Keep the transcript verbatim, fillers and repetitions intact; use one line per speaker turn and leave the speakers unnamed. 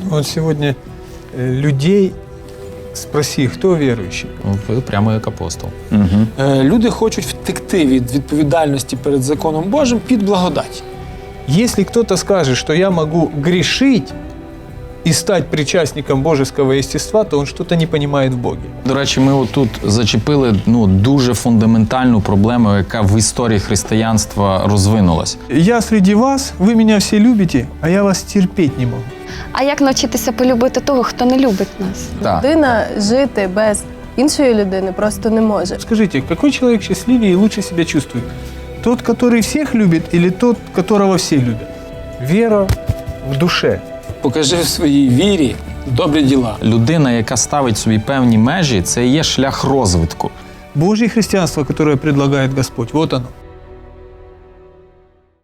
Вот сегодня э, людей спроси, кто верующий?
Ви прямо як апостол.
Угу.
Е, Люди хочуть втекти від відповідальності перед законом Божим під благодать.
Если кто-то скажет, что я могу грешить и стать причастником божеского естества, то он что-то не понимает в Боге.
До речі, ми отут зачепили ну, дуже фундаментальну проблему, яка в історії християнства розвинулась.
Я среди вас, вы меня все любите, а я вас терпеть не могу.
А як навчитися полюбити того, хто не любить нас?
Так.
Людина жити без іншої людини просто не може.
Скажите, какой человек счастливее и лучше себя чувствует? Тот, который всех любит, или тот, которого все любят? Вера в душе.
Покажи в своїй вірі добрі діла.
Людина, яка ставить собі певні межі, це і є шлях розвитку.
Божье христианство, которое предлагает Господь, вот оно.